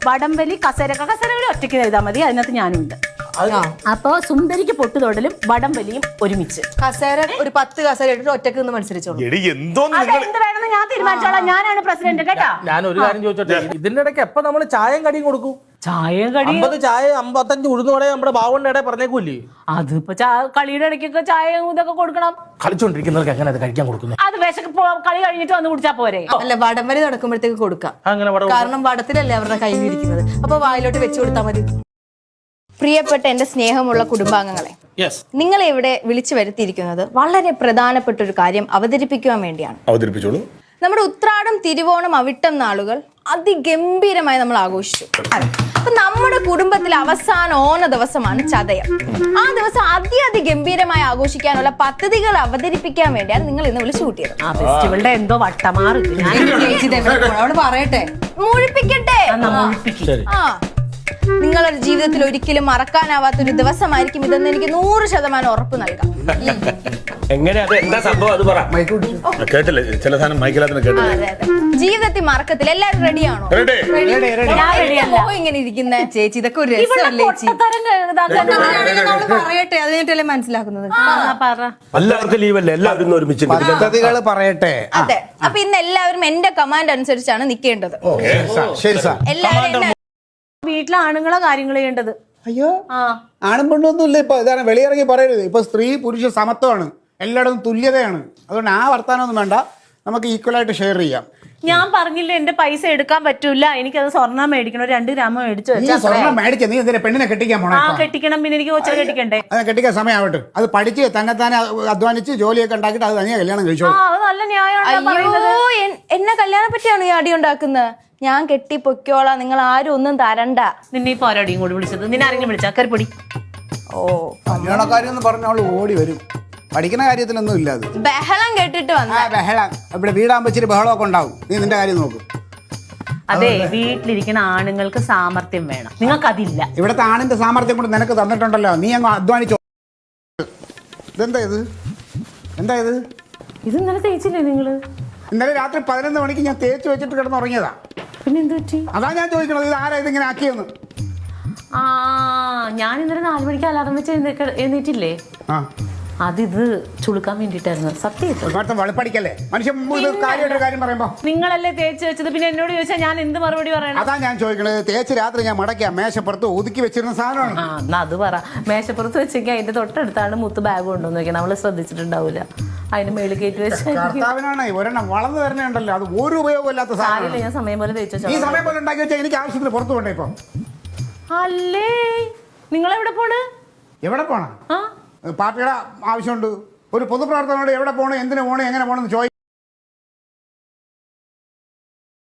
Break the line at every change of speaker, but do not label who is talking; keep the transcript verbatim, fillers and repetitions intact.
വടംവലി കസേര കസേരകളി ഒറ്റയ്ക്ക് ചെയ്താൽ മതി, അതിനകത്ത് ഞാനുണ്ട്. അപ്പൊ സുന്ദരിക്ക് പൊട്ടുതൊടലും വടംവലിയും ഒരുമിച്ച്.
കസേര ഒരു പത്ത് കസേര ഇട്ടിട്ട് ഒറ്റക്ക് നിന്ന് മത്സരിച്ചോളൂ.
എന്ത് വേണമെന്ന് ഞാൻ തീരുമാനിച്ചോളാം. ഞാനാണ് പ്രസിഡന്റ് കേട്ടാ.
ഞാൻ ഒരു കാര്യം ചോദിച്ചോട്ടെ, ഇതിന്റെ ഇടയ്ക്ക് എപ്പോ നമ്മള് ചായയും കടിയും കൊടുക്കും?
ചായ കടി
അമ്പത് ചായ അമ്പത്തഞ്ച് ഉഴുന്നോടെ നമ്മുടെ ബാവണ്ണ ഇടയിൽ പറഞ്ഞേക്കൂല്ലേ?
അതിപ്പോ കളിയുടെ ഇടയ്ക്കൊക്കെ ചായ ഇതൊക്കെ കൊടുക്കണം.
കളിച്ചോണ്ടിരിക്കുന്നവർക്ക് എങ്ങനെ അത് കഴിക്കാൻ കൊടുക്കുന്നത്?
അത് വിശക്ക് കളി കഴിഞ്ഞിട്ട് വന്ന് കുടിച്ചാ പോരെ?
അല്ല, വടംവലി നടക്കുമ്പോഴത്തേക്ക് കൊടുക്കാം.
അങ്ങനെ
കാരണം വടത്തിലല്ലേ അവരുടെ കയ്യിൽ ഇരിക്കുന്നത്. അപ്പൊ വായിലോട്ട് വെച്ചു കൊടുത്താൽ മതി.
പ്രിയപ്പെട്ട എന്റെ സ്നേഹമുള്ള കുടുംബാംഗങ്ങളെ, നിങ്ങളെ ഇവിടെ വിളിച്ചു വരുത്തിയിരിക്കുന്നത് വളരെ പ്രധാനപ്പെട്ട ഒരു കാര്യം അവതരിപ്പിക്കുവാൻ വേണ്ടിയാണ്.
അവതരിപ്പിച്ചോളൂ.
നമ്മുടെ ഉത്രാടം, തിരുവോണം, അവിട്ടം നാളുകൾ അതിഗംഭീരമായി നമ്മൾ ആഘോഷിച്ചു. അപ്പൊ നമ്മുടെ കുടുംബത്തിലെ അവസാന ഓണ ദിവസമാണ് ചതയം. ആ ദിവസം അതിഗംഭീരമായി ആഘോഷിക്കാനുള്ള പദ്ധതികൾ അവതരിപ്പിക്കാൻ വേണ്ടിയാണ് നിങ്ങൾ ഇന്ന് വിളിച്ചു കൂട്ടിയത്.
ഫെസ്റ്റിവലിന്റെ എന്തോ വട്ടമാറ്
പറയട്ടെ,
മുഴിപ്പിക്കട്ടെ. ആ നിങ്ങളുടെ ജീവിതത്തിൽ ഒരിക്കലും മറക്കാനാവാത്ത ഒരു ദിവസമായിരിക്കും ഇതെന്ന് എനിക്ക് നൂറ് ശതമാനം ഉറപ്പ് നൽകാം.
കേട്ടില്ലേ ചില സാധനം മൈക്കിലാത്തിന് കേട്ടില്ലേ?
ജീവിതത്തിൽ മറക്കത്തില്ല. എല്ലാവരും റെഡിയാണോ? ഇങ്ങനെ ഇരിക്കുന്ന
ചേച്ചി ഇതൊക്കെ ഒരു രസമല്ലേ ചേച്ചി? പറയട്ടെ, അത് കഴിഞ്ഞിട്ടല്ലേ മനസ്സിലാക്കുന്നത്.
എല്ലാവർക്കും ലീവല്ലേ, എല്ലാവരും ഒരുമിച്ച്
പദ്ധതികൾ പറയട്ടെ.
അതെ, അപ്പൊ ഇന്ന് എല്ലാവരും എന്റെ കമാൻഡ് അനുസരിച്ചാണ് നിൽക്കേണ്ടത്. എല്ലാവരും
വീട്ടിലെ ആണുങ്ങളെ കാര്യങ്ങൾ ചെയ്യേണ്ടത്.
അയ്യോ, ആണും പെണ്ണൊന്നും ഇല്ല. ഇപ്പൊ ഇതാണ് വെളിയിറങ്ങി പറയരുത്. ഇപ്പൊ സ്ത്രീ പുരുഷ സമത്വമാണ്, എല്ലായിടത്തും തുല്യതയാണ്. അതുകൊണ്ട് ആ വർത്താനമൊന്നും വേണ്ട, നമുക്ക് ഈക്വലായിട്ട് ഷെയർ ചെയ്യാം.
ഞാൻ പറഞ്ഞില്ല എന്റെ പൈസ എടുക്കാൻ പറ്റൂല, എനിക്കത് സ്വർണ്ണം മേടിക്കണം, രണ്ട് ഗ്രാം മേടിച്ചു വെച്ചാൽ.
സ്വർണ്ണം മേടിച്ച നീ എന്തിനാ പെണ്ണിനെ കെട്ടിക്കാൻ പോണേ?
ആ കെട്ടിക്കണം, പിന്നെ എനിക്ക് കൊച്ചിനെ കെട്ടിക്കണ്ടേ?
അത് കെട്ടിക്കാൻ സമയമാവട്ടെ. അത് പഠിച്ച് തന്നെ തന്നെ അധ്വാനിച്ച് ജോലിയൊക്കെ ഉണ്ടാക്കിയിട്ട് അത് തനിയെ കല്യാണം കഴിച്ചോളൂ.
അത് നല്ല ന്യായമാണ്.
അയ്യോ, എന്നെ കല്യാണം പറ്റിയാണ് ഈ അടി ഉണ്ടാക്കുന്നത്. ഞാൻ കെട്ടി പൊക്കോളാം, നിങ്ങൾ ആരും ഒന്നും തരണ്ട.
നിന്നെ ഇപ്പൊ ആരോടിയും കൂടി വിളിച്ചത്? നിന്നെ ആരെങ്കിലും വിളിച്ചാ കരുപ്പൊടി?
ഓ,
കല്യാണക്കാരി എന്ന് പറഞ്ഞ അവള് ഓടി വരും. പഠിക്കുന്ന കാര്യത്തിലൊന്നും ഇല്ല. അത്
ബഹളം കേട്ടിട്ട് വന്ന
ബഹളം. ഇവിടെ വീടാകുമ്പോ ഇച്ചിരി ബഹളമൊക്കെ ഉണ്ടാവും. നീ നിന്റെ കാര്യം നോക്കും.
അതെ, വീട്ടിലിരിക്കുന്ന ആണുങ്ങൾക്ക് സാമർത്ഥ്യം വേണം, നിങ്ങൾക്ക് അതില്ല.
ഇവിടുത്തെ ആണിന്റെ സാമർത്ഥ്യം കൊണ്ട് നിനക്ക് തന്നിട്ടുണ്ടല്ലോ, നീ അങ്ങ് അധ്വാനിച്ചോ. ഇതെന്താ ഇത്? എന്താ ഇത്?
ഇത് ഇന്നലെ തേച്ചില്ലേ നിങ്ങള്?
ഇന്നലെ രാത്രി പതിനൊന്ന് മണിക്ക് ഞാൻ തേച്ച് വെച്ചിട്ട് കിടന്നുറങ്ങിയതാ.
പിന്നെ എന്ത് പറ്റി?
അതാ ഞാൻ ചോദിക്കണത്, ഇത് ആരാ ഇതിങ്ങനെ ആക്കിയെന്ന്.
ആ, ഞാൻ ഇന്നലെ നാലു മണിക്ക് അലാറം വെച്ച് എഴുന്നേറ്റില്ലേ, അതിത് ചുളുക്കാൻ വേണ്ടിട്ടായിരുന്നു. സത്യം
വെളുപ്പടിക്കല്ലേ മനുഷ്യൻ കാര്യമായിട്ടൊരു കാര്യം പറയുമ്പോ.
നിങ്ങളല്ലേ തേച്ച് വെച്ചത്, പിന്നെ എന്നോട് ചോദിച്ചാൽ ഞാൻ എന്ത് മറുപടി പറയണം?
അതാ ഞാൻ ചോദിക്കണത്. തേച്ച് രാത്രി ഞാൻ മടക്കിയ മേശപ്പുറത്ത് ഒതുക്കി വെച്ചിരുന്ന സാധനമാണ്.
ആ, എന്നാ അത് പറ. മേശപ്പുറത്ത് വെച്ചെങ്കിൽ അതിന്റെ തൊട്ടടുത്താണ് മുത്ത് ബാഗ് കൊണ്ടുവന്ന് വെക്കാൻ. നമ്മള് ശ്രദ്ധിച്ചിട്ടുണ്ടാവില്ല. അതിന് മേളിൽ കയറ്റി വെച്ചാൽ
കർത്താവിനാണ് ഒരെണ്ണം വളർന്നു വരണുണ്ടല്ലോ, അത് ഒരു ഉപയോഗമില്ലാത്ത സാധനം.
ഞാൻ സമയം പോലെ തേച്ചു.
ഈ സമയം പോലെ ഉണ്ടാക്കി വെച്ചാൽ എനിക്ക് ആവശ്യത്തിന് പുറത്തു പോണ്ടേ ഇപ്പൊ?
അല്ലേ, നിങ്ങളെവിടെ പോണ്?
എവിടെ പോണം? പാർട്ടിയുടെ ആവശ്യമുണ്ട്. ഒരു പൊതുപ്രവർത്തനോട് എവിടെ പോകണം, എന്തിനു പോകണം, എങ്ങനെ പോകണം എന്ന് ചോദിക്കും.